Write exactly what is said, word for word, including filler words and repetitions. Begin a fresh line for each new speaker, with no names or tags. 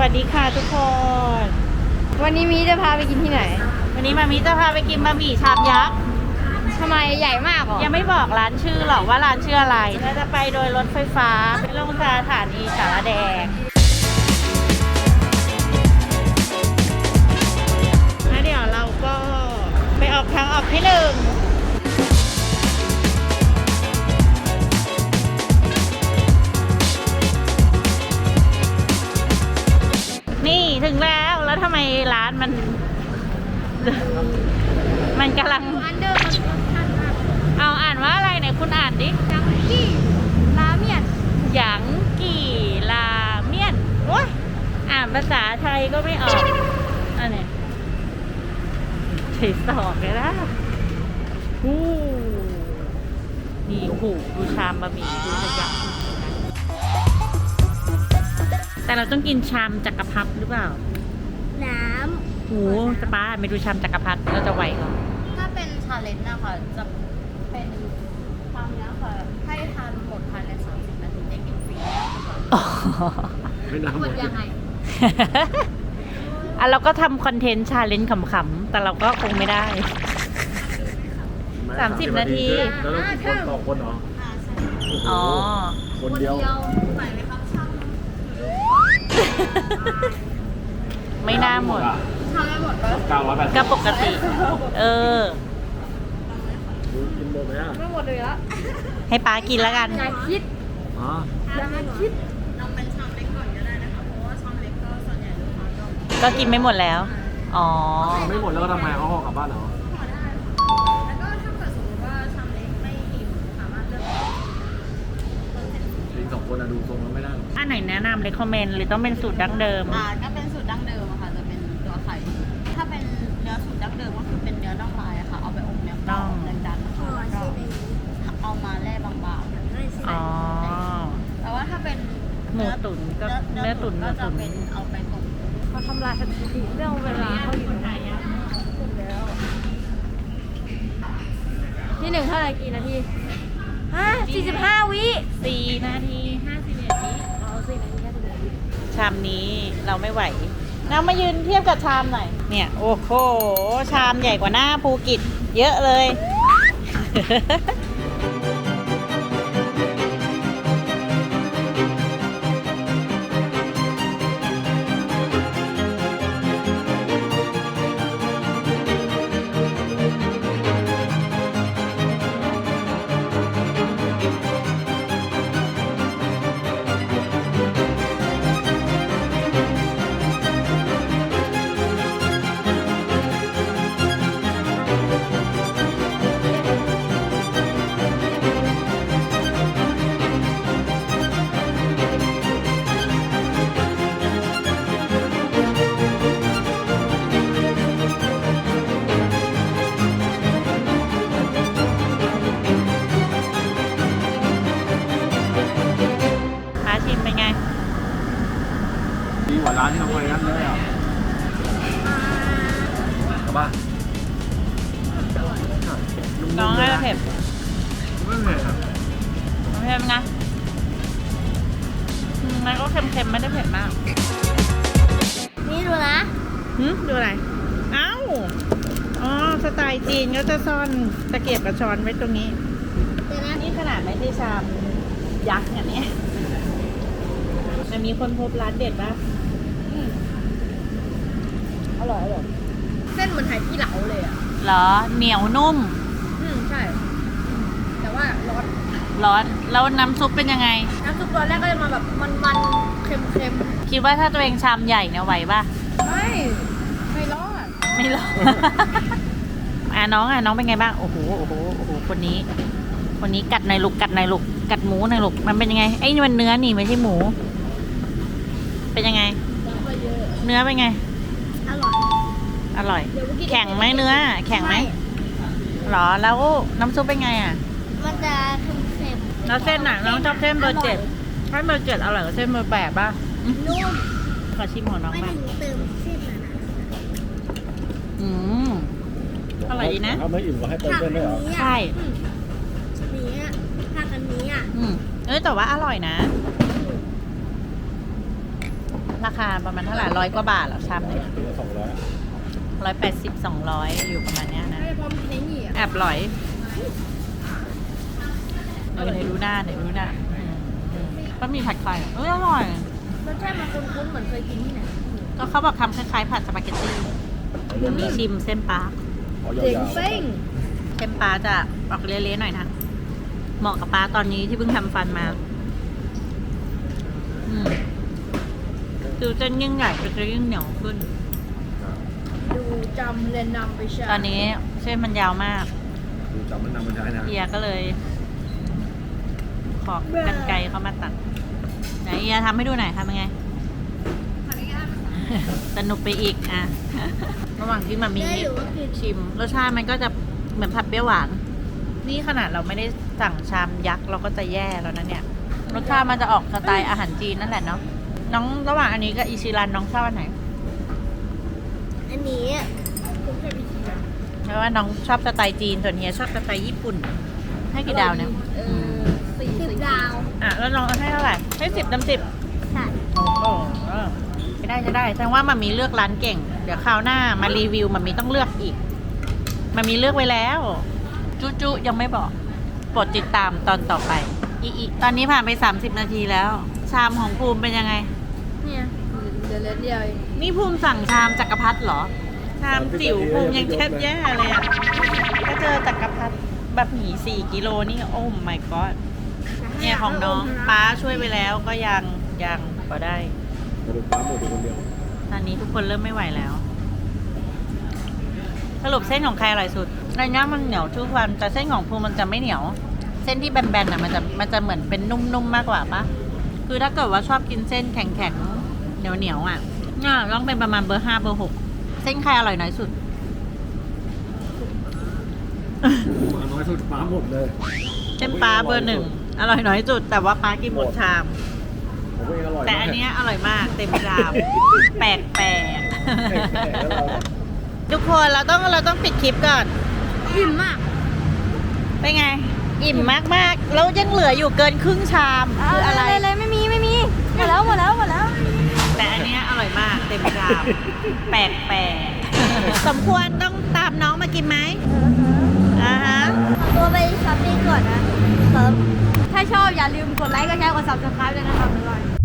วัสดีค่ะทุกคน
วันนี้มีจะพาไปกินที่ไหน
วันนี้มามิจะพาไปกินบะหมี่ชามยักษ์
ทำไมใหญ่มากเหรอ
ยังไม่บอกร้านชื่อหรอกว่าร้านชื่ออะไรเราจะไปโดยรถไฟฟ้าไปลงสถานีสารแดงแล้วเดี๋ยวเราก็ไปออกทางออกที่หนึ่งนี่ถึงแล้วแล้วทำไมร้านมัน มันกำลัง
อันเดอร์มันชันมาก
เอาอ่านว่าอะไรไหนคุณอ่านดิ
จังกี้ราเมียน
หยางกี่ลาเมียนโอ้ยอ่านภาษาไทยก็ไม่ออกอันนี้ใช้สอบเลยนะฮู้นี่หูดูชามบะหมี่ดูจะยักษ์แต่เราต้องกินชามจักรพรรดิหรือเปล่า
น้
โอ้สปาไม่ดูชามจักรพรรดิเราจะไหวเหรอ
ถ้าเป็นชาเลนจ์นะคะจะเป็นทำเนี้ยค่ะให้ทานหมดภายในสามสิบนาทีได้กินฟรีค่ะ
อ๋อ
ไม่น่า
ห
ห
ม
ม
ด
ด
ยังไง
อ่ะเราก็ทำคอนเทนต์ชาเลนจ์ขำๆแต่เราก็คงไม่ได้ สามสิบนาที
แล้วเรากี่คนต่อคนเหรอ
อ่าใช่
อ๋อ
คนเดียว
ไหวไหมครับช่าง
ไม่น่าหมด
ทำได้หมดปะ
เก้าร้อยแปดสิบ
ก็ปกติ เออ
กินหมดไหมอ่ะ
ไม่หมดเลยละ
ให้ป้ากินแล้วกัน
อย่าคิด
อ๋อ
อย่าคิด
ลองเป็นชามเล็กก่อนก็ได้นะคะเพราะว่าชามเล็กก็ส่วนใหญ่ลูกค้าก็
ก็กินไม่หมดแล้ว อ๋อ
ไม่หมดแล้วก็ทำไงเขาห่อกลับบ้านเหรอ
พอได้แล้วก็ถ้าเกิดสมมติว่าชามเล็กไม่อิ่มสามารถเลือกเพิ่มเส้น
ลิงสองคนอะดูทรงแล้วไม่ได้หรอก
อันไหนแนะนำเลยคอมเมนต์หรือต้องเป็นสูตรดั้งเดิม
อ่าก็เป็นสูตรดั้งเดิมอะค่ะจะเป็นตัวไข่ถ้าเป็นเนื้อสูตรดั้งเดิมก็คือเป็นเนื้อน่องลายอะค่ะเอาไปอบเนื้อ
น่อง
แรงดันนะคะแล้วก็เอามาแล่บางๆ
อ๋อ
แต่ว่าถ้าเป็น
หมูตุ๋นก็เนื้อตุ๋นเนื้
ก็
อ
จะ
ตุ๋น
เป็นเอาไปตุ๋น
เขาทำลายสถิติเรื่องเวลาเขาอยู่ที่หนึ่งเท่าไหร่กี่นาทีฮะสี่สิบห้าวิ
สี่นาทีห้าสิบเอ็ดวิ
เอาสี่นาทีแค่สิบนาที
ชามนี้เราไม่ไหวน้ำมายืนเทียบกับชามหน่อย เนี่ย โอ้โห ชามใหญ่กว่าหน้าภูกิจ เยอะเลย มาชิมเป็นไง
ดีกว่าร้านที่เราเคยนั่นเลยอ่ะกลับบ้าน
น้องให้เผ็ด
ไม่เผ็ดอ่ะ
น้องเผ็ดเป็นไงอืมมันก็เค็มๆ ไม่ได้เผ็ดมาก
นี่ดูนะ
หืมดูอะไร เอ้า อ๋อ สไตล์จีนก็จะซ่อนตะเกียบกับช้อนไว้ตรงนี้
เดี๋ยวนะ
นี่ขนาดไม่ใช่ชามยักษ์อย่างนี้แต่มีคนพบร้านเด็ดป่ะ
อร่อยอร่อยเส้นเหมือนไห่ที่เหลาเลยอ่ะ
เหรอ เหนียวนุ่ม
อืมใช่ แต่ว่าร้อน
ร้อน แล้วน้ำซุปเป็นยังไง
น้ำซุปตอนแรกก็จะมาแบบมันๆเค็ม
คิดว่าถ้าตัวเองชามใหญ่เนี่ยไหวป่ะ
ๆไม่ไม่รอด
ไม่รอด อ่ะน้องอ่ะน้องเป็นไงบ้าง โอ้โห โอ้โห โอ้โห คนนี้ คนนี้กัดในอยลูก กัดในอยลูก กัดหมูในอยลูก มันเป็นยังไง ไอ้นี่มันเนื้อนี่ไม่ใช่หมู เป็นยังไง เนื้อเป็นไง
อร่อย
อร่อย
เดี๋ยวเมื่อกี้
แข็งไหมเนื้อ แข็งไหมหรอ แล้วน้ำซุปเป็นไงอ่ะ
มันจะเค็มๆ
แล้วเส้นอ่ะ น้องชอบเส้นเบอร์เจ็ดถ้าเบอร์เจ็ดอร่อยกว่าเส้นเบอร์แปดป่ะอืม
นุ่ม
ขอชิมของน้อง
ไม่
บ้าง
ถึงเติมเส้นนะ
อืม อร่อยดีนะ
ถ้าไม่อิ่มก็ให้เติมเส้นด้วยเหรอ
ใช่
นี้อ่ะผักอันนี้อ่ะ
อืมเอ้ยแต่ว่าอร่อยนะราคาประมาณเท่าไหร่ร้อยกว่าบาทเหรอชามเนี่ย
ตัวสองร้อย
ร้อยแปดสิบสองร้อยอยู่ประมาณเนี้ยนะ
ไม่พร้อมกินไอ้นี่อ่ะ
แอบหลอยเออไหนดูหน้าไหนดูหน้าอืมอืมก็มีผัดไข่เอออร่อย
รสชาติมันคุ้นๆเหมือนเคยกินที่ไหน
ก็เขาบอกทำคล้ายๆผัดสปาเกตตี้มีชิมเส้นปลา
เอายา
เจ๋ง
ว
เป้ง
เส้นปลาจะออกเละๆหน่อยนะ เหมาะกับปลาตอนนี้ที่เพิ่งทำฟันมา อืมคือเส้นยิ่งใหญ่ก็จะยิ่งเหนียวขึ้น
ดูจำเรียนนำไปใช้
ตอนนี้เส้นมันยาวมาก
ๆดูจำมันนำมันใช้นะ
เอียก็เลย ขอกันไกรเขามาตัด ไหนเอียทำให้ดูหน่อยทำยังไง สนุกไปอีกอ่ะ ระหว่างที่มามี
ได้หรือว่ากิน
ชิมรสชาติมันก็จะเหมือนผัดเปรี้ยวหวาน นี่ขนาดเราไม่ได้สั่งชามยักษ์เราก็จะแย่แล้วนะเนี่ย รสชาติมันจะออกสไตล์อาหารจีนนั่นแหละเนาะ น้องระหว่างอันนี้กับอิชิรันน้องชอบอันไหน
อันนี้ผมจะไปชิม
เพราะว่าน้องชอบสไตล์จีนส่วนเฮียชอบสไตล์ญี่ปุ่น ให้กี่ดาวเนี่ย
เออสี่สิบดาว
อ่ะแล้วน้องให้เท่าไหร่ ให้สิบเต็มสิบ
ค่ะ
โอ้โหใช้ได้ใช้ได้แสดงว่ามันมีเลือกร้านเก่ง เดี๋ยวคราวหน้ามารีวิวมันมีต้องเลือกอีก มันมีเลือกไว้แล้ว จุจุยังไม่บอกโปรดติดตามตอนต่อไป อีอีตอนนี้ผ่านไปสามสิบนาทีแล้ว ชามของภูมิเป็นยังไง
เนี่ยเดี๋ยวเล็ดเดียวเอง
นี่ภูมิสั่งชามจักรพรรดิเหรอ ชามจิ๋วภูมิยังแทบแย่เลยอ่ะถ้าเจอจักรพรรดิแบบหมีสี่กิโลนี่โอ้ my god เนี่ยของน้องป้าช่วยไปแล้วก็ยังยังก็ได้
มาดูป้าหมดอยู่คนเดียว
ตอนนี้ทุกคนเริ่มไม่ไหวแล้ว สรุปเส้นของใครอร่อยสุดในเนี้ยมันเหนียวทุกวันแต่เส้นของภูมิมันจะไม่เหนียว เส้นที่แบนๆอ่ะมันจะมันจะเหมือนเป็นนุ่มๆมากกว่าปะคือถ้าเกิดว่าชอบกินเส้นแข็งๆเหนียวๆอ่ะน่าต้องเป็นประมาณเบอร์ห้าเบอร์หกเส้นใครอร่อยน้อยสุด
มาน้อยสุดป้าหมดเลย
เส้นปลาเบอร์หนึ่งอร่อยน้อยสุด แต่ว่าปลากินหมดชาม
ผมว่าอร่อย
แต่อันเนี้ยอร่อยมากเต็มชาม แปลกแปลกทุกคนเราต้องเราต้องปิดคลิปก่อน
อิ่มมาก
เป็นไง อิ่มมากมากๆแล้วยังเหลืออยู่เกินครึ่งชามคืออะไร
เลยไม่มีไม่มีหมดแล้วหมดแล้วหมดแล้ว
แต่อันเนี้ยอร่อยมากเต็มชาม แปลกแปลกสมควรต้องตามน้องมากินไหมอ่าฮะ
ตัวไปช้อปปิ้งก่อนนะครับ ถ้าชอบอย่าลืมกดไลค์กดแชร์กด ซับสไครบ์ ด้วยนะครับบ๊ายบาย